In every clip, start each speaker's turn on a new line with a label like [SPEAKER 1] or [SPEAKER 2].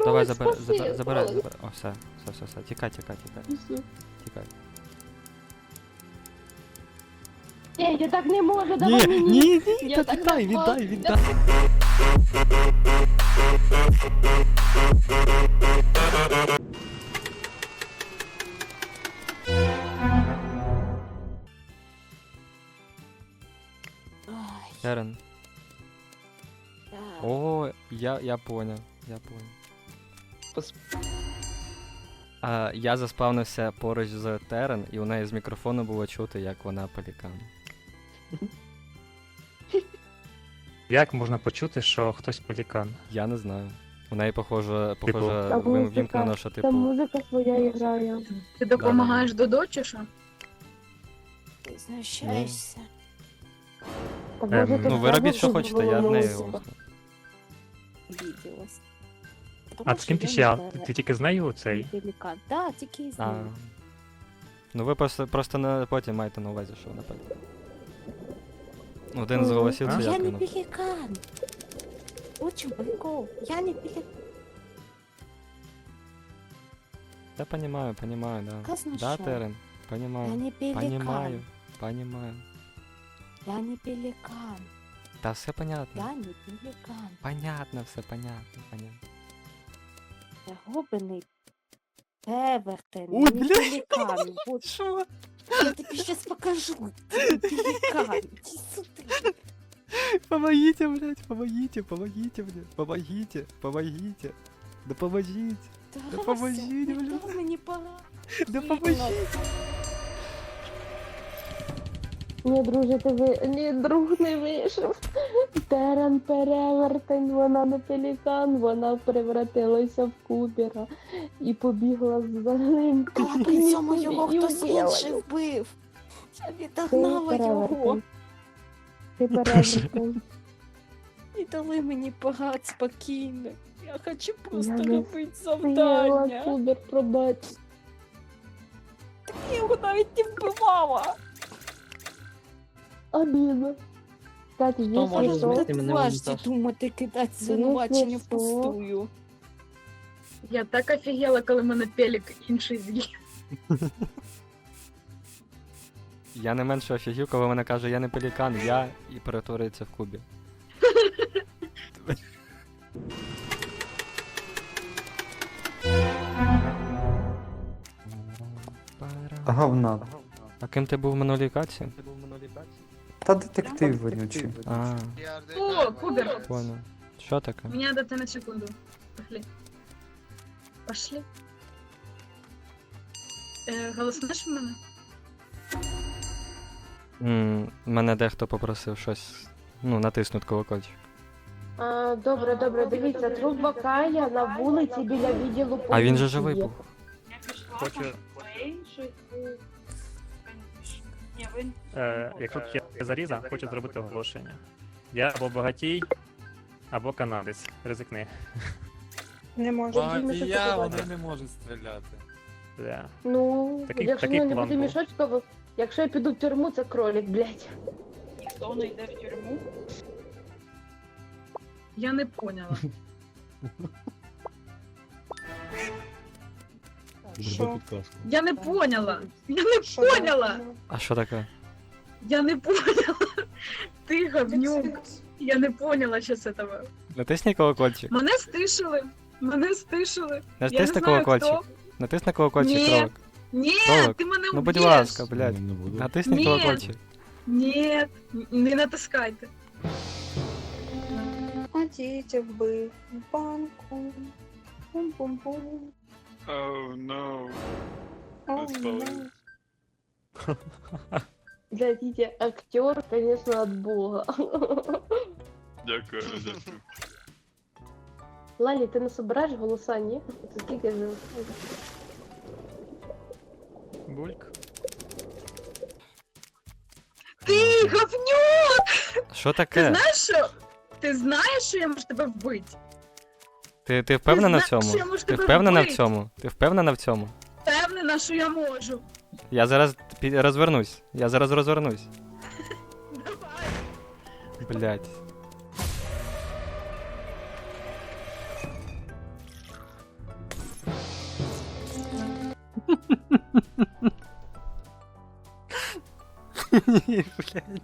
[SPEAKER 1] давай,
[SPEAKER 2] спаси,
[SPEAKER 1] забирай.
[SPEAKER 2] Валик.
[SPEAKER 1] О, все. Тікай.
[SPEAKER 2] Все.
[SPEAKER 1] Тікай.
[SPEAKER 2] Ні, я так не можу, давай мені. Я
[SPEAKER 1] та
[SPEAKER 2] так
[SPEAKER 1] віддай.
[SPEAKER 2] Ай,
[SPEAKER 1] Терен.
[SPEAKER 2] да.
[SPEAKER 1] О, я поняв. Я заспавнився поруч з Терен, і у неї з мікрофону було чути, як вона пелікан.
[SPEAKER 3] Як можна почути, що хтось пелікан?
[SPEAKER 1] Я не знаю. У неї, похоже,
[SPEAKER 2] Та музика,
[SPEAKER 1] вимкнено, що
[SPEAKER 2] Там
[SPEAKER 1] типу.
[SPEAKER 2] музика своя грає.
[SPEAKER 4] Ти допомагаєш Додо чи що?
[SPEAKER 2] Ти знущаєшся. Та
[SPEAKER 3] Ем,
[SPEAKER 2] може ти
[SPEAKER 1] Ну, ви робіть, що
[SPEAKER 2] справді
[SPEAKER 1] хочете, я в неї
[SPEAKER 2] головну
[SPEAKER 1] голосну.
[SPEAKER 2] обиделась.
[SPEAKER 3] А з ким ти ще? Ти тільки з нею цей?
[SPEAKER 2] Пеликан. Да, тільки з
[SPEAKER 1] А.
[SPEAKER 2] ним.
[SPEAKER 1] Ну ви просто потім маєте на увазі, що напевно. Один з голосів це
[SPEAKER 2] Я
[SPEAKER 1] як
[SPEAKER 2] не
[SPEAKER 1] він.
[SPEAKER 2] пеликан. Очень прикол. Я не пеликан.
[SPEAKER 1] Я понімаю, да.
[SPEAKER 2] Казно
[SPEAKER 1] Да,
[SPEAKER 2] що?
[SPEAKER 1] Терен,
[SPEAKER 2] Я
[SPEAKER 1] понімаю.
[SPEAKER 2] не пеликан.
[SPEAKER 1] Понимаю.
[SPEAKER 2] Я не пеликан.
[SPEAKER 1] Та все понятно.
[SPEAKER 2] Я не пеликан.
[SPEAKER 1] Понятно, все понятно.
[SPEAKER 2] Я губений Певертен.
[SPEAKER 1] Ой,
[SPEAKER 2] не
[SPEAKER 1] бля.
[SPEAKER 2] пеликан. Вот
[SPEAKER 1] Що?
[SPEAKER 2] я тобі сейчас покажу. Ты не пеликан. Иди сюда.
[SPEAKER 1] Помогите, блядь, помогите, помогите. Да поможіть. Да поможіть, блядь.
[SPEAKER 2] Да мені пора.
[SPEAKER 1] Да поможіть.
[SPEAKER 2] Ні, друже, ні, друг не вийшов. Терен перевертень, вона не пелікан, вона превратилася в кубера і побігла за ним. А при цьому його хтось інший вбив. Я відогнала його. Ти перевертень. І дали мені погад спокійно. Я хочу просто робити завдання. Кубер, пробач. Я його навіть не вбивала. Обідно. Кстати,
[SPEAKER 5] може
[SPEAKER 2] якщо
[SPEAKER 5] змінити
[SPEAKER 2] що,
[SPEAKER 5] мене
[SPEAKER 2] важче
[SPEAKER 5] унітаз?
[SPEAKER 2] думати, кидати звинувачення
[SPEAKER 4] Ну,
[SPEAKER 2] впустую.
[SPEAKER 4] Я так офігела, коли мене пелік інший з'їв.
[SPEAKER 1] Я не менше офігів, коли вона каже, я не пелікан, я і перетворюється в кубі.
[SPEAKER 6] Говна.
[SPEAKER 1] А ким ти був в минулій каці?
[SPEAKER 6] Та детектив вонючий.
[SPEAKER 1] А,
[SPEAKER 4] О, Кубер,
[SPEAKER 1] понял. Що таке?
[SPEAKER 4] мені надо ти на секунду. Пошли. Пошли. Голоснеш в мене?
[SPEAKER 1] Мене дехто попросив щось, натиснути колокольчик.
[SPEAKER 2] Добре, дивіться, труп Бакая на вулиці біля відділу поліції.
[SPEAKER 1] А він же живий був.
[SPEAKER 3] Хочу, якщо б я заріза, хочу зробити оголошення. Я або багатій, або канадець. Ризикни.
[SPEAKER 2] Не можу.
[SPEAKER 7] Багатія, вони не можуть стріляти.
[SPEAKER 3] Да.
[SPEAKER 2] Ну,
[SPEAKER 3] Такий-
[SPEAKER 2] якщо
[SPEAKER 3] такий
[SPEAKER 2] не
[SPEAKER 3] план
[SPEAKER 2] буде
[SPEAKER 3] був.
[SPEAKER 2] мішочково, якщо я піду в тюрму, це кролик, блядь.
[SPEAKER 4] Ніхто не йде в тюрму. Я не поняла.
[SPEAKER 2] Що?
[SPEAKER 4] Я не поняла. Я не поняла.
[SPEAKER 1] А що таке?
[SPEAKER 4] Я не поняла. Ти говнюк. Я не поняла щас этого.
[SPEAKER 1] Натисни колокольчик.
[SPEAKER 4] Мене стишили. Мене стишили. Я не
[SPEAKER 1] Натисни
[SPEAKER 4] знаю,
[SPEAKER 1] колокольчик.
[SPEAKER 4] хто.
[SPEAKER 1] Натисни колокольчик,
[SPEAKER 4] Ні.
[SPEAKER 1] кролик.
[SPEAKER 4] Ні,
[SPEAKER 1] Кролик.
[SPEAKER 4] ти мене
[SPEAKER 1] Ну будь
[SPEAKER 4] вб'єш.
[SPEAKER 1] ласка, блядь. Натисни
[SPEAKER 4] Ні.
[SPEAKER 1] колокольчик.
[SPEAKER 4] Ні, не натискайте.
[SPEAKER 2] Ходіть вбив банку. Бум-бум-бум.
[SPEAKER 7] Oh no.
[SPEAKER 2] Дядите, актер, конечно, от бога.
[SPEAKER 7] Дякую.
[SPEAKER 2] Лалі, ти не собираєш голоса, ні? Це скільки ж?
[SPEAKER 3] Бульк.
[SPEAKER 4] Ти говнюк!
[SPEAKER 1] Що
[SPEAKER 4] Ти
[SPEAKER 1] таке?
[SPEAKER 4] знаєш, що? Ти знаєш, що я можу тебе вбити?
[SPEAKER 1] Ти впевнена в
[SPEAKER 4] знаєш,
[SPEAKER 1] цьому?
[SPEAKER 4] що я можу
[SPEAKER 1] Ти
[SPEAKER 4] тебе
[SPEAKER 1] впевнена в
[SPEAKER 4] вбити?
[SPEAKER 1] цьому? Ти впевнена в цьому?
[SPEAKER 4] Впевнена, що я можу.
[SPEAKER 1] Я зараз розвернусь. Я зараз розвернусь.
[SPEAKER 4] Давай.
[SPEAKER 1] Блядь. Ні, блядь.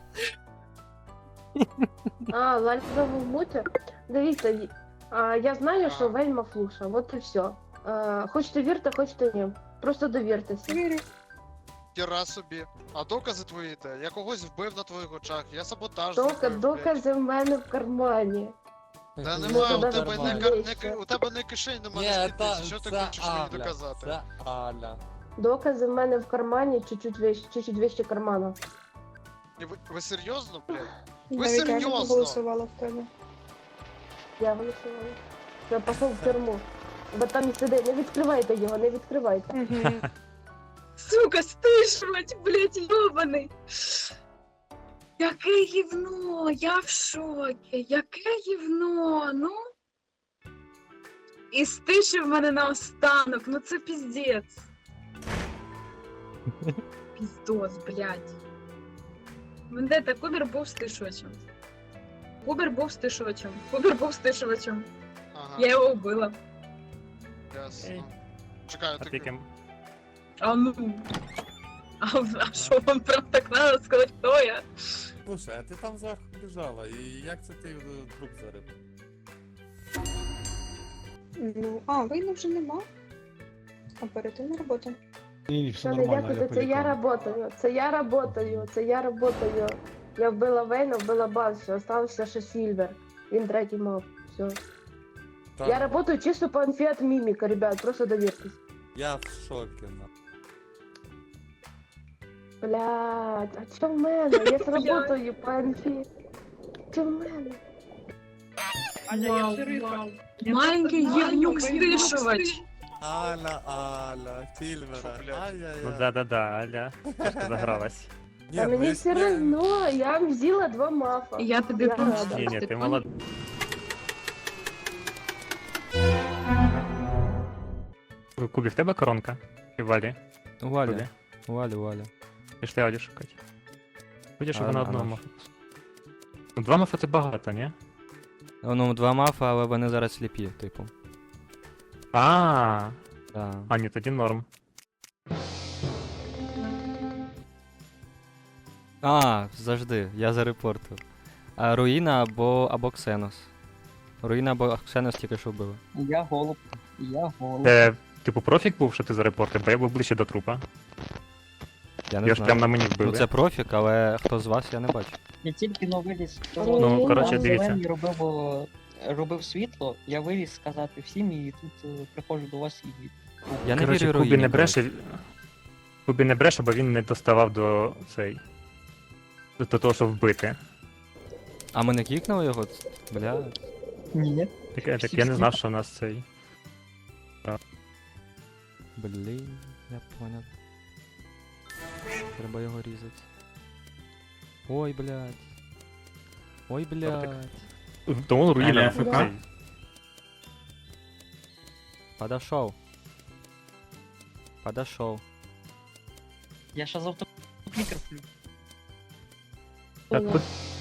[SPEAKER 2] А, Лальфа в муті? Дивіться, я знаю, що вельма флуша, от і все. Хочете вірте, хочете ні. Просто довіртеся.
[SPEAKER 5] Хіра собі. А докази твої де? Я когось вбив на твоїх очах, я саботаж
[SPEAKER 2] Докази,
[SPEAKER 5] зробив, блядь.
[SPEAKER 2] докази в мене в кармані.
[SPEAKER 5] Та
[SPEAKER 2] Ну,
[SPEAKER 5] немає, у
[SPEAKER 2] тоді
[SPEAKER 5] тебе
[SPEAKER 2] нормально.
[SPEAKER 5] у тебе не кишень, нема
[SPEAKER 7] Ні,
[SPEAKER 5] не
[SPEAKER 7] та,
[SPEAKER 5] спідниці, що ти
[SPEAKER 7] це
[SPEAKER 5] хочеш мені
[SPEAKER 7] Аля,
[SPEAKER 5] доказати?
[SPEAKER 7] це Аля.
[SPEAKER 2] Докази в мене в кармані, чуть-чуть вище кармана.
[SPEAKER 5] Ні, ви серйозно, блядь? Ви
[SPEAKER 4] Навіть я не
[SPEAKER 5] серйозно?
[SPEAKER 4] голосувала в тебе.
[SPEAKER 2] Я голосувала. Я пішов в тюрму. Бо там і сидить. Не відкривайте його, не відкривайте.
[SPEAKER 4] Сука, стишувати, блядь, йобаний. Яке гівно, я в шокі. Яке гівно, ну. І стишив мене наостанок, ну це піздець. Піздос, блядь. Вендета, Кубер був стишувачем. Кубер був стишувачем. Кубер був стишувачем.
[SPEAKER 5] Ага,
[SPEAKER 4] Я його вбила.
[SPEAKER 5] ясно.
[SPEAKER 3] Ей.
[SPEAKER 5] Чекай,
[SPEAKER 3] А ти ким?
[SPEAKER 4] А ну. А що вам прям так надо сказати, хто я?
[SPEAKER 7] Слушай, а ти там зверху лежала, і як це ти труп зарив?
[SPEAKER 8] Ну, війни вже нема. Оперативна робота.
[SPEAKER 2] Що не дякуйте, це я работаю, це я работаю, це я работаю. Я вбила Вейна, вбила Басю, остався ще Сільвер. Він третій мав. Все.
[SPEAKER 7] Та,
[SPEAKER 2] Я работаю чисто по инфе от мимика, ребят, просто доверьтесь.
[SPEAKER 7] Я в шокі, на.
[SPEAKER 2] Блядь, а чё в мене? Я сработаю по инфе. Чё в мене?
[SPEAKER 4] Вау. Маленький гівнюк стишувач.
[SPEAKER 7] Аля, Сільвера,
[SPEAKER 5] Що, блядь?
[SPEAKER 3] Ну
[SPEAKER 7] ай-яй-яй.
[SPEAKER 3] да-да-да, Аля. Трошки загралась.
[SPEAKER 7] Ні,
[SPEAKER 2] А мені
[SPEAKER 7] ми
[SPEAKER 2] все
[SPEAKER 7] з нею-
[SPEAKER 2] равно, я взяла 2 мафа.
[SPEAKER 4] Я тобі
[SPEAKER 2] Я
[SPEAKER 4] помстю.
[SPEAKER 2] рада.
[SPEAKER 3] Ні, ти молодець. Кубі, в тебе коронка? І в Валі?
[SPEAKER 1] У Валі,
[SPEAKER 3] Кубі?
[SPEAKER 1] у Валі, у Валі.
[SPEAKER 3] Пішли Алю шукати. Будеш, щоб
[SPEAKER 1] А,
[SPEAKER 3] вона
[SPEAKER 1] а
[SPEAKER 3] одного
[SPEAKER 1] наш?
[SPEAKER 3] мафа. Ну, 2 мафа це багато, ні?
[SPEAKER 1] Ну, 2 мафа, але вони зараз сліпі, типу.
[SPEAKER 3] А,
[SPEAKER 1] Да.
[SPEAKER 3] ні, тоді норм.
[SPEAKER 1] Завжди, я зарепортив. Руїна або Ксенос. Руїна або Ксенос тільки що вбили.
[SPEAKER 9] Я голуб. Я голуб.
[SPEAKER 3] Це, типу, профік був, що ти зарепортив, бо я був ближче до трупа.
[SPEAKER 1] Я не
[SPEAKER 3] Я ж
[SPEAKER 1] знаю.
[SPEAKER 3] прям на мені
[SPEAKER 1] Ну
[SPEAKER 3] вбили.
[SPEAKER 1] це профік, але хто з вас, я не бачу.
[SPEAKER 9] Я тільки но виліз.
[SPEAKER 2] Ну, коротше,
[SPEAKER 9] Там
[SPEAKER 3] дивіться.
[SPEAKER 9] Зелений робив світло, я виліз сказати всім, і тут приходжу до вас і.
[SPEAKER 1] Я не
[SPEAKER 3] Коротше,
[SPEAKER 1] вірю
[SPEAKER 3] Кубі
[SPEAKER 1] Руїні.
[SPEAKER 3] не бреше. Кубі не бреше, бо він не доставав до цей. До того, щоб вбити.
[SPEAKER 1] А ми не кікнули його? Бля.
[SPEAKER 9] Ні.
[SPEAKER 3] Так я не знав, що у нас цей.
[SPEAKER 1] Блін, я понял. Треба його різати. Ой, блядь. Ой, блядь.
[SPEAKER 3] Тому руїна.
[SPEAKER 2] Аля, ФК?
[SPEAKER 3] цей.
[SPEAKER 1] Подошов. Подошов.
[SPEAKER 9] Я ще з автоклікер плю.
[SPEAKER 3] Так, тут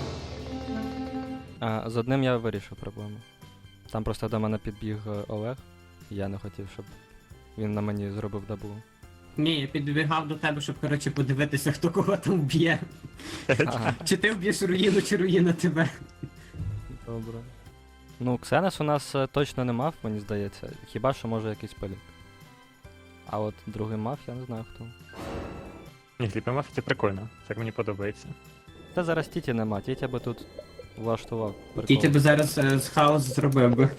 [SPEAKER 1] З одним я вирішив проблему. Там просто до мене підбіг Олег, і я не хотів, щоб він на мені зробив даблу.
[SPEAKER 10] Ні, я підбігав до тебе, щоб, коротше, подивитися, хто кого там вб'є.
[SPEAKER 1] Ага,
[SPEAKER 10] Чи ти вб'єш руїну, чи руїна тебе.
[SPEAKER 1] добре. Ну, Ксенес у нас точно не мав, мені здається. Хіба що може якийсь пелік. А от другий мав, я не знаю хто.
[SPEAKER 3] ні, Сліпі Мафі це прикольно. Так мені подобається.
[SPEAKER 1] Та зараз Тіті нема, Тітя би тут влаштував прикол.
[SPEAKER 10] Тітя би зараз з хаос зробив би.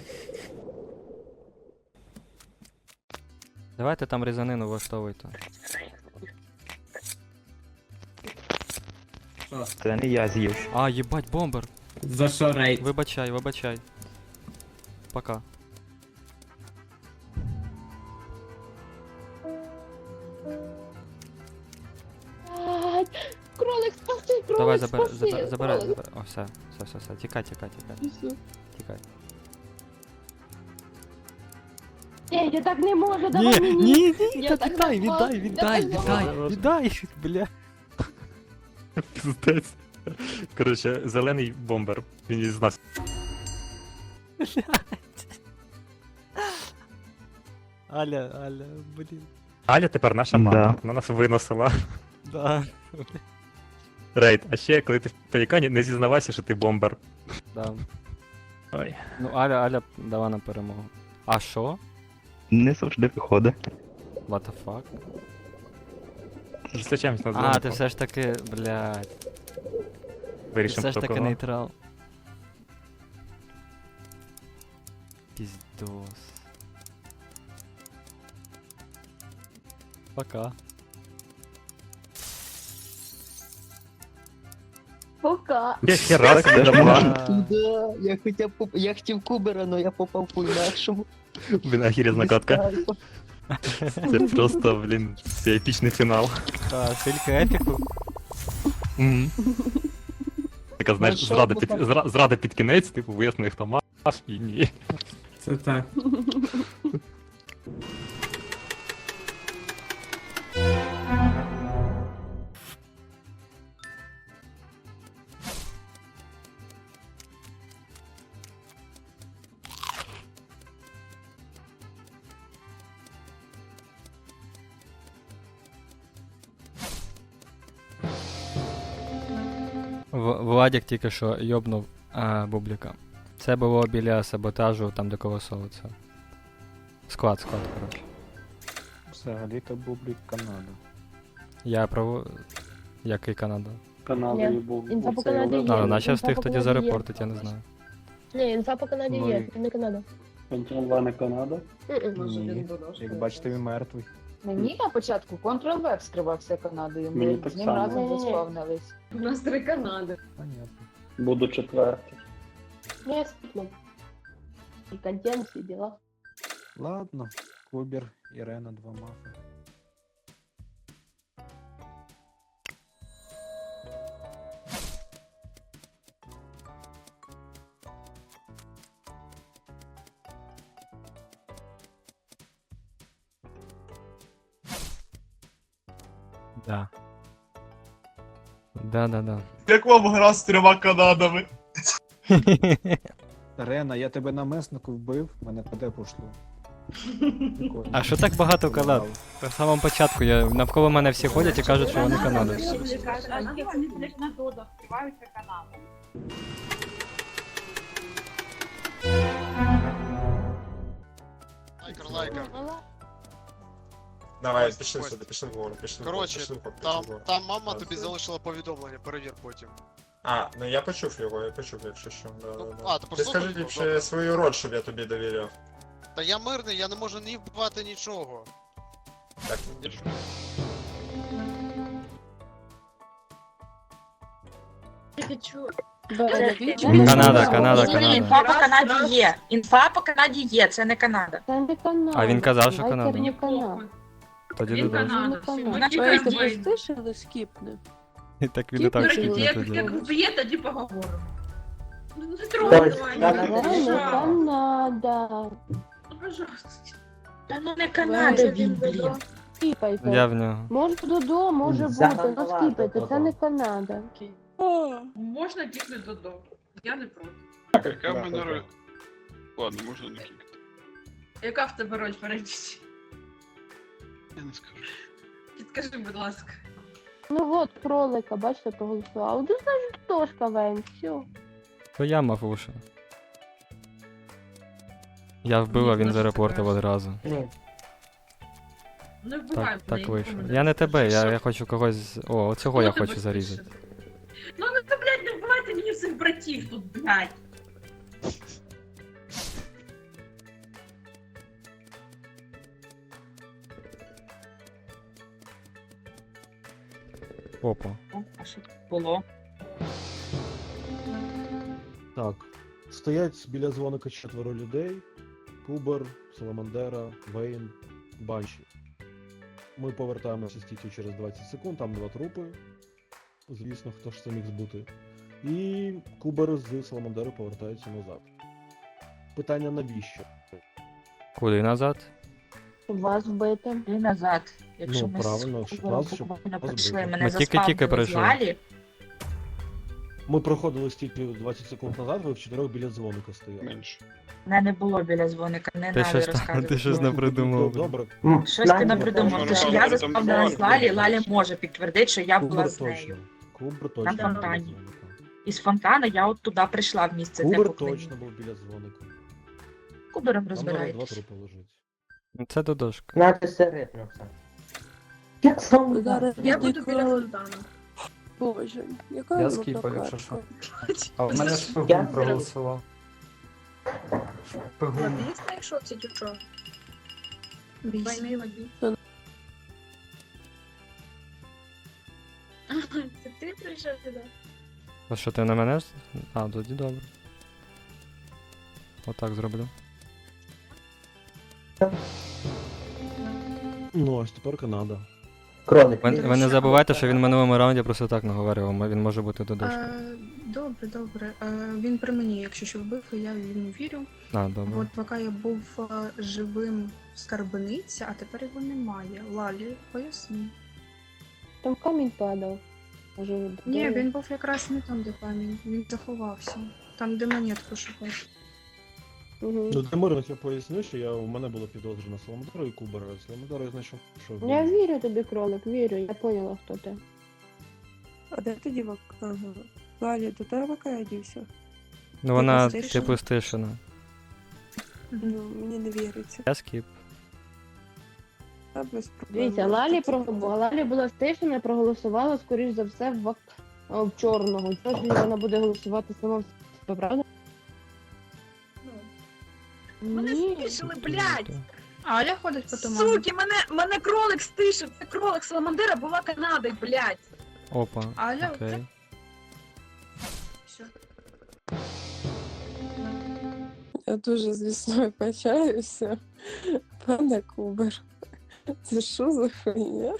[SPEAKER 1] Давайте там різанину влаштовуйте.
[SPEAKER 10] Що?
[SPEAKER 6] Це не я з'їв.
[SPEAKER 1] А, їбать, бомбер!
[SPEAKER 10] За що рейд?
[SPEAKER 1] Вибачай, вибачай. Пока.
[SPEAKER 2] Блядь, кролик, спаси, кролик,
[SPEAKER 1] Давай,
[SPEAKER 2] спаси,
[SPEAKER 1] забирай.
[SPEAKER 2] кролик.
[SPEAKER 1] О, все. Тікай. Тікай.
[SPEAKER 2] Ні, я так не можу, давай мені. Я так
[SPEAKER 1] віддай,
[SPEAKER 2] не можу,
[SPEAKER 1] віддай,
[SPEAKER 2] давай.
[SPEAKER 1] віддай, бля.
[SPEAKER 3] Пиздець. Коротше, зелений бомбер. Він із нас.
[SPEAKER 1] Аля, блін.
[SPEAKER 3] Аля тепер наша
[SPEAKER 6] Да.
[SPEAKER 3] мама. Вона нас виносила.
[SPEAKER 1] Да.
[SPEAKER 3] Рейд, а ще коли ти в пелікані, не зізнавайся, що ти бомбер.
[SPEAKER 1] Да.
[SPEAKER 3] Ой.
[SPEAKER 1] Ну, Аля дала на перемогу. А що?
[SPEAKER 11] Не завжди виходить.
[SPEAKER 1] What the fuck?
[SPEAKER 3] Зустрічаємось на
[SPEAKER 1] А,
[SPEAKER 3] дзвонику.
[SPEAKER 1] ти все ж таки, блядь. Ти
[SPEAKER 3] Вирішимо,
[SPEAKER 1] все ж
[SPEAKER 3] хто
[SPEAKER 1] таки
[SPEAKER 3] кого.
[SPEAKER 1] нейтрал. Піздос. Пока.
[SPEAKER 2] Пока.
[SPEAKER 3] Я ще раз
[SPEAKER 11] Так,
[SPEAKER 3] не
[SPEAKER 11] нормально.
[SPEAKER 9] Да, я хотів Кубера, але я попав по інакшому.
[SPEAKER 3] Блін, ахірізна катка. Це просто, блін, це епічний фінал.
[SPEAKER 1] А, тільки епіку.
[SPEAKER 3] Така, знаєш,
[SPEAKER 9] Ну, що
[SPEAKER 3] зрада
[SPEAKER 9] ви
[SPEAKER 3] під,
[SPEAKER 9] так?
[SPEAKER 3] зрада під кінець, типу, вияснили, хто мав і ні.
[SPEAKER 10] Це так.
[SPEAKER 1] Владик тільки що йобнув Бубліка. Це було біля саботажу, там де колосовиця. Склад, коротше.
[SPEAKER 6] Взагалі-то Бублік Канада.
[SPEAKER 1] Я право. Який Канада?
[SPEAKER 6] Канадою був.
[SPEAKER 2] Інфа по Канаді є.
[SPEAKER 1] А, наче
[SPEAKER 2] інфа
[SPEAKER 1] встиг
[SPEAKER 2] по
[SPEAKER 1] тоді
[SPEAKER 2] Канаді є.
[SPEAKER 1] зарепортить, я не знаю.
[SPEAKER 2] Ні, інфа по Канаді
[SPEAKER 6] Ну
[SPEAKER 2] є,
[SPEAKER 6] і-
[SPEAKER 2] не Канада.
[SPEAKER 6] Контрол-В не Канада?
[SPEAKER 2] Ні.
[SPEAKER 6] Як бачите, він мертвий.
[SPEAKER 8] Мені на початку Ctrl-V вскривався Канадою.
[SPEAKER 6] Мені
[SPEAKER 8] Ми
[SPEAKER 6] так
[SPEAKER 8] з ним
[SPEAKER 6] само.
[SPEAKER 8] разом
[SPEAKER 2] Ні-ні-ні.
[SPEAKER 8] заспавнились.
[SPEAKER 4] У нас 3 Канади.
[SPEAKER 6] Понятно. Буду четвертий.
[SPEAKER 2] Не, спитно. І контент, всі діла.
[SPEAKER 6] Ладно, Кубер, Ірена, 2 мафи.
[SPEAKER 1] Да. Да.
[SPEAKER 11] Як вам гра з 3 Канадами?
[SPEAKER 6] Рена, я тебе на меснику вбив, мене ПД пошло. Прикольно.
[SPEAKER 1] А що так багато Канад? В самому початку навколо мене всі ходять і кажуть, що вони канадці.
[SPEAKER 5] Лайкер.
[SPEAKER 7] Давай,
[SPEAKER 5] пішли
[SPEAKER 7] пішли
[SPEAKER 5] сюди,
[SPEAKER 7] пішли вгору, пішли
[SPEAKER 5] Коротше, там мама тобі залишила повідомлення, перевір потім.
[SPEAKER 7] А, ну я почув його, якщо що.
[SPEAKER 5] Ну, а, ти
[SPEAKER 7] Ти
[SPEAKER 5] послухав
[SPEAKER 7] скажи
[SPEAKER 5] його?
[SPEAKER 7] ліпше
[SPEAKER 5] Добре.
[SPEAKER 7] свою роль, щоб я тобі довіряв.
[SPEAKER 5] Та я мирний, я не можу ні вбивати нічого.
[SPEAKER 7] Так,
[SPEAKER 1] Канада.
[SPEAKER 4] Інфа по Канаді є. Інфа по Канаді є, це не Канада.
[SPEAKER 2] Це не Канада.
[SPEAKER 1] А він казав, що
[SPEAKER 2] Лайкер
[SPEAKER 1] Канада.
[SPEAKER 2] не Канада.
[SPEAKER 1] Тоді
[SPEAKER 4] Він
[SPEAKER 1] додому.
[SPEAKER 4] Канада.
[SPEAKER 2] Вона
[SPEAKER 4] Чекай,
[SPEAKER 2] стишили, скіпни.
[SPEAKER 1] І так він і так
[SPEAKER 2] Скіпнути.
[SPEAKER 1] скіпне тоді.
[SPEAKER 4] Як вб'є, тоді поговоримо. Ну не
[SPEAKER 2] Це
[SPEAKER 4] трогай,
[SPEAKER 2] не Канада.
[SPEAKER 4] Ну, пожалуйста. Та ну не Канада він, блін.
[SPEAKER 2] Скіпайте.
[SPEAKER 1] Я в нього.
[SPEAKER 2] Може додому, може бути, ну скіпайте, це не Канада.
[SPEAKER 4] Можна кікнути додому. Я не проти.
[SPEAKER 7] яка в мене роль?
[SPEAKER 11] Ладно, можна не кілька.
[SPEAKER 4] Яка в тебе роль перейдіть?
[SPEAKER 11] Я не скажу.
[SPEAKER 4] Підкажи, будь ласка.
[SPEAKER 2] Ну от, кролика, бачите, проголосував. Ну, значить, хто ж КВН, все.
[SPEAKER 1] То я мав уші. Я вбив, а він зарепортив одразу.
[SPEAKER 4] Не вбивай
[SPEAKER 1] Так, так вийшло. Я не тебе, я хочу когось. О, оцього я хочу зарізати.
[SPEAKER 4] Ну ти, блядь, не вбивайте мені всіх братів тут, блядь.
[SPEAKER 1] Опа.
[SPEAKER 4] А що було?
[SPEAKER 11] Так. Стоять біля дзвоника 4 людей. Кубер, Саламандера, Вейн, Банші. Ми повертаємося стільки через 20 секунд, там 2 трупи. Звісно, хто ж це міг збути. І Кубер з Саламандери повертаються назад. Питання навіщо?
[SPEAKER 1] Куди назад?
[SPEAKER 2] Щоб вас вбити.
[SPEAKER 4] І назад. Якщо
[SPEAKER 11] Ну,
[SPEAKER 4] ми
[SPEAKER 11] правильно,
[SPEAKER 4] з
[SPEAKER 11] щоб
[SPEAKER 4] Кубером
[SPEAKER 11] нас- щоб
[SPEAKER 4] буквально
[SPEAKER 11] нас
[SPEAKER 4] прийшли,
[SPEAKER 11] вбити.
[SPEAKER 4] мене
[SPEAKER 1] Ми тільки-тільки
[SPEAKER 4] заспавнили в
[SPEAKER 1] прийшли.
[SPEAKER 4] залі.
[SPEAKER 11] Ми проходили стільки 20 секунд назад, ви в 4 біля дзвоника стояли. Менше.
[SPEAKER 4] Мене не було біля дзвоника, не
[SPEAKER 1] Ти
[SPEAKER 4] надо
[SPEAKER 1] щось
[SPEAKER 4] розказувати.
[SPEAKER 1] ти щось не придумав.
[SPEAKER 11] Добре.
[SPEAKER 4] Щось ти не придумав, тому що я заспавнила з Лалі, Лалі може підтвердити, що я була
[SPEAKER 11] Кубер
[SPEAKER 4] з нею.
[SPEAKER 11] точно. Кубер точно
[SPEAKER 4] Там
[SPEAKER 11] був біля
[SPEAKER 4] фонтані.
[SPEAKER 11] дзвоника.
[SPEAKER 4] Із фонтана я от туди прийшла в місце для
[SPEAKER 11] Кубер
[SPEAKER 4] поклоніння.
[SPEAKER 11] точно був біля дзвоника.
[SPEAKER 4] Кубером
[SPEAKER 11] Там зараз 2
[SPEAKER 4] розбираєтесь.
[SPEAKER 11] трупи лежить.
[SPEAKER 1] Ну, це додошка.
[SPEAKER 8] Знаєте, середньо все. Як сам
[SPEAKER 2] Зараз
[SPEAKER 4] Я буду
[SPEAKER 2] відійкала.
[SPEAKER 4] біля фонтана.
[SPEAKER 2] Боже, яка
[SPEAKER 12] Я
[SPEAKER 2] вона
[SPEAKER 12] скіпав, якщо
[SPEAKER 2] прокачка.
[SPEAKER 12] А в мене
[SPEAKER 8] Я
[SPEAKER 12] шпигун проголосував. Шпигун.
[SPEAKER 4] Лобі знайшов ці тючо? Двойний лобі.
[SPEAKER 2] Та-
[SPEAKER 4] Це ти прийшов сюди?
[SPEAKER 1] А що ти на мене? А, тоді добре. Отак зроблю.
[SPEAKER 11] Ну, ось тепер Канада.
[SPEAKER 8] Кролик.
[SPEAKER 1] Ви не забувайте, що він в минулому раунді просто так наговорив, він може бути додошкою.
[SPEAKER 4] Добре, добре. Він при мені, якщо що вбив, я йому вірю.
[SPEAKER 1] А, добре.
[SPEAKER 4] От поки я був живим в скарбниці, а тепер його немає. Лалі, поясни.
[SPEAKER 2] Там камінь падав. Може,
[SPEAKER 4] Ні, він був якраз не там, де камінь. Він заховався. Там, де монетку шукав.
[SPEAKER 2] Угу.
[SPEAKER 11] Ну, для мирних я поясню, що у мене було підозри на Саламандру і Кубера. Саламандру я знайшов, що
[SPEAKER 2] Я вірю тобі, кролик, вірю, я поняла, хто ти.
[SPEAKER 13] А де ти дівок? Ага. Лалі, до тебе Кая дівся?
[SPEAKER 1] Ну вона
[SPEAKER 13] стишена?
[SPEAKER 1] типу стишена.
[SPEAKER 13] Ну, мені не віриться.
[SPEAKER 1] Я скіп.
[SPEAKER 13] Та без проблем.
[SPEAKER 2] Дивіться, Лалі була стишена, проголосувала, скоріш за все, в чорного. Чого вона буде голосувати сама в себе, правда?
[SPEAKER 4] Мене
[SPEAKER 2] Ні.
[SPEAKER 4] стишили, блядь!
[SPEAKER 3] Аля ходить по туману.
[SPEAKER 4] Суки, мене кролик стишив! Це кролик Саламандера була Канадою, блядь!
[SPEAKER 1] Опа.
[SPEAKER 3] Аля,
[SPEAKER 1] Окей.
[SPEAKER 4] Все.
[SPEAKER 13] Я дуже, звісно, вибачаюся. Пане Кубер. Це що за хуйня?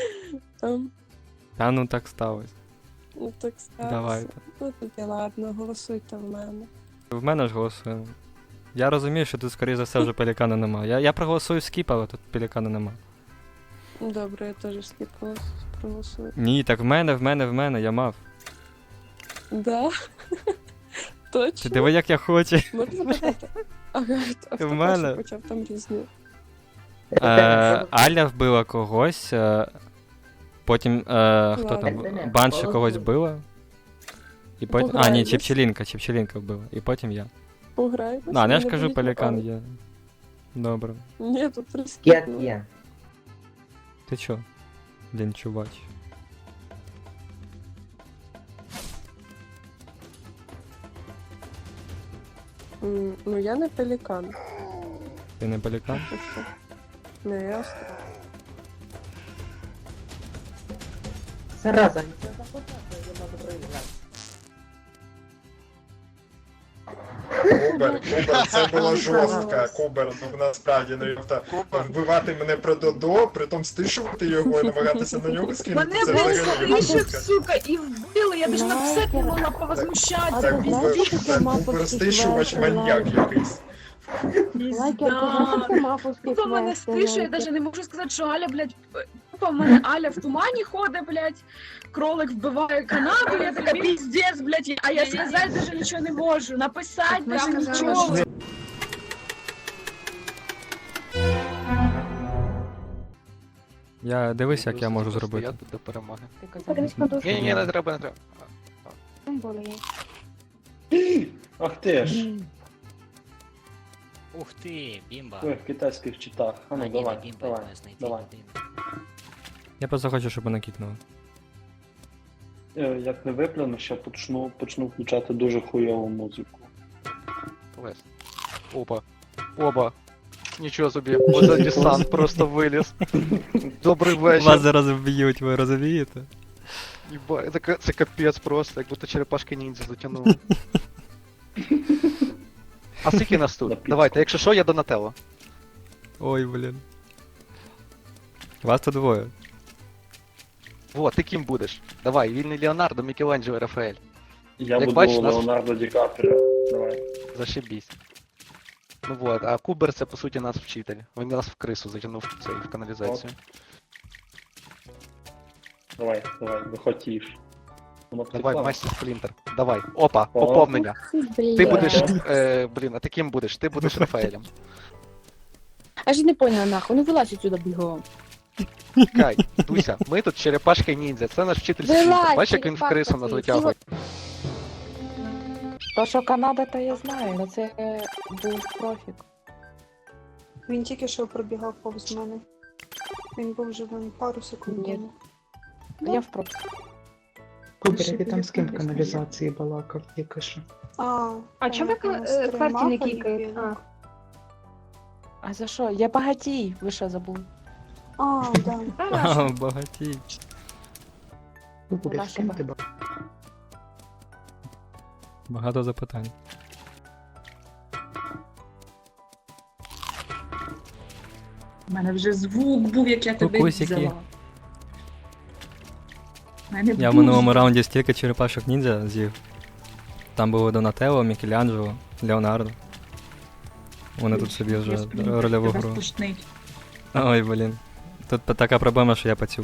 [SPEAKER 1] Та ну так сталося.
[SPEAKER 13] Ну так сталося.
[SPEAKER 1] Давайте.
[SPEAKER 13] Ну тоді ладно, голосуйте в мене.
[SPEAKER 1] В мене ж голосуємо. Я розумію, що тут, скоріше за все, вже пелікана нема. Я проголосую скіп, але тут пелікана нема.
[SPEAKER 13] Добре, я теж слід проголосую.
[SPEAKER 1] Ні, так в мене, я мав.
[SPEAKER 13] Да? Точно?
[SPEAKER 1] Ти диви, як я хочу.
[SPEAKER 13] Можна запитати? Ага, а хто
[SPEAKER 1] В мене.
[SPEAKER 13] перший почав там різні?
[SPEAKER 1] Аля вбила когось, потім хто там? Банші когось вбила. І потім. А, ні,
[SPEAKER 13] Пограємось.
[SPEAKER 1] Чепчелінка вбила. І потім я.
[SPEAKER 13] Пограємось?
[SPEAKER 1] А, ну я ж
[SPEAKER 13] Мене
[SPEAKER 1] кажу,
[SPEAKER 13] болить
[SPEAKER 1] пелікан
[SPEAKER 13] голова.
[SPEAKER 1] є. Добре.
[SPEAKER 13] Ні, тут
[SPEAKER 8] Як
[SPEAKER 13] розкидно.
[SPEAKER 8] є.
[SPEAKER 1] Ти чо? Блін, чувач.
[SPEAKER 13] Ну я не пелікан.
[SPEAKER 1] Ти не пелікан?
[SPEAKER 13] Ти що? Не ясно.
[SPEAKER 8] Зараза, це запитати, я можу проіграти.
[SPEAKER 12] Кубер, це було жорстко. Кубер, ну насправді, ну йофта, вбивати мене про Додо, притом стишувати його і намагатися на нього скинути.
[SPEAKER 4] Мене
[SPEAKER 12] Це
[SPEAKER 4] був
[SPEAKER 12] взагалі
[SPEAKER 4] стишив,
[SPEAKER 12] жорстко.
[SPEAKER 4] сука, і вбили, я даже написати не могла повозмущатися.
[SPEAKER 12] Так, Кубер стишувач маньяк якийсь.
[SPEAKER 4] Хто мене стишує, я даже не можу сказати, що Аля, блядь, тупо в мене Аля в тумані ходить, блядь, кролик вбиває Канаду, я така піздець, блядь, а я сказати даже нічого не можу, написати прям нічого.
[SPEAKER 1] Я дивись, як я можу зробити.
[SPEAKER 12] до перемоги.
[SPEAKER 2] Ні,
[SPEAKER 12] не треба, не треба.
[SPEAKER 6] Ах ти ж,
[SPEAKER 10] Ух ти, бімба.
[SPEAKER 6] в китайських читах. А ну давай, давай.
[SPEAKER 1] Я просто хочу, щоб мене кікнули.
[SPEAKER 6] Як не виплюну, ще почну включати дуже хуйову музику.
[SPEAKER 12] Опа. Оба. Нічого собі, оце десант просто виліз. Добрий вечір.
[SPEAKER 1] Вас зараз вб'ють, ви розумієте?
[SPEAKER 12] Єба, це капець просто, як будто черепашки ніндзя затягнули. А скільки нас тут? Давайте, якщо що, я Донателло.
[SPEAKER 1] Ой, блін. Вас тут двоє.
[SPEAKER 12] Во, ти ким будеш? Давай, вільний Леонардо, Мікеланджело, Рафаель.
[SPEAKER 6] Я
[SPEAKER 12] Як
[SPEAKER 6] буду
[SPEAKER 12] бачиш, нас-
[SPEAKER 6] Леонардо Ді Капріо. Давай.
[SPEAKER 12] Зашибісь. Ну вот, а Кубер це по суті наш вчитель. Він нас в крису затягнув в цей, в каналізацію.
[SPEAKER 6] Давай, виходь тіш.
[SPEAKER 12] Давай, майстер Сплінтер. Давай. Опа, поповнення. Ти будеш. Блін, а ти ким будеш? Ти будеш Рафаелем.
[SPEAKER 8] А ж не поняла нахуй, ну вилазь отсюда бігом.
[SPEAKER 14] Чекай, Дуся, ми тут черепашки ніндзя, це наш вчитель світу. Бачиш, як він в крису нас витягує?
[SPEAKER 8] То, що Канада, то я знаю, але це був профік.
[SPEAKER 13] Він тільки що пробігав повз мене. Він був вже пару секунд
[SPEAKER 8] Ні.
[SPEAKER 13] тому.
[SPEAKER 8] Я в профік.
[SPEAKER 13] Кубер, ти там з ким в
[SPEAKER 8] каналізації балакав, тільки що.
[SPEAKER 13] А чому
[SPEAKER 2] квартирі не кікають?
[SPEAKER 8] А за що? Я багатій, ви що забули?
[SPEAKER 13] Да.
[SPEAKER 1] А, багатій.
[SPEAKER 8] Вона що
[SPEAKER 1] Багато запитань.
[SPEAKER 4] У мене вже звук був, як я тебе
[SPEAKER 1] Кукусики.
[SPEAKER 4] взяла. У мене
[SPEAKER 1] Я в
[SPEAKER 4] був
[SPEAKER 1] минулому
[SPEAKER 4] звук.
[SPEAKER 1] раунді стільки черепашок ніндзя з'їв. Там було Донателло, Мікеланджело, Леонардо. Вони тут собі вже
[SPEAKER 4] Господи,
[SPEAKER 1] рольову
[SPEAKER 4] тебе
[SPEAKER 1] гру.
[SPEAKER 4] стошнить.
[SPEAKER 1] Ой, блін. Тут така проблема, що я пацюк.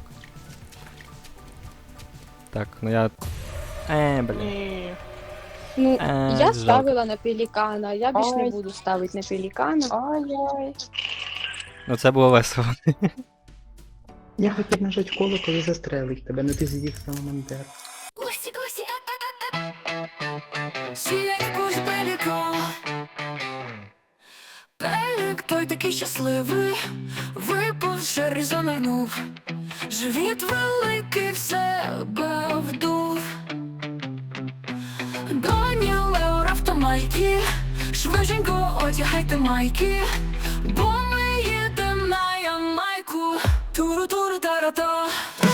[SPEAKER 1] Так, ну я. Блін.
[SPEAKER 2] Ну,
[SPEAKER 1] я
[SPEAKER 2] я
[SPEAKER 1] жалко.
[SPEAKER 2] ставила на пелікана, я більш не
[SPEAKER 8] Ой.
[SPEAKER 2] буду ставити на пелікана.
[SPEAKER 8] Ой-ой.
[SPEAKER 1] Ну це було весело.
[SPEAKER 8] Я хотів нажати коло, коли застрелить тебе, но ти з'їв саламандер.
[SPEAKER 13] Пелік той такий щасливий, випав шер і занирнув. Живіт великий в себе вдув. Доні Лео автомайки, швиденько одягайте майки, бо ми їдем на Ямайку. Туру-туру-тара-та.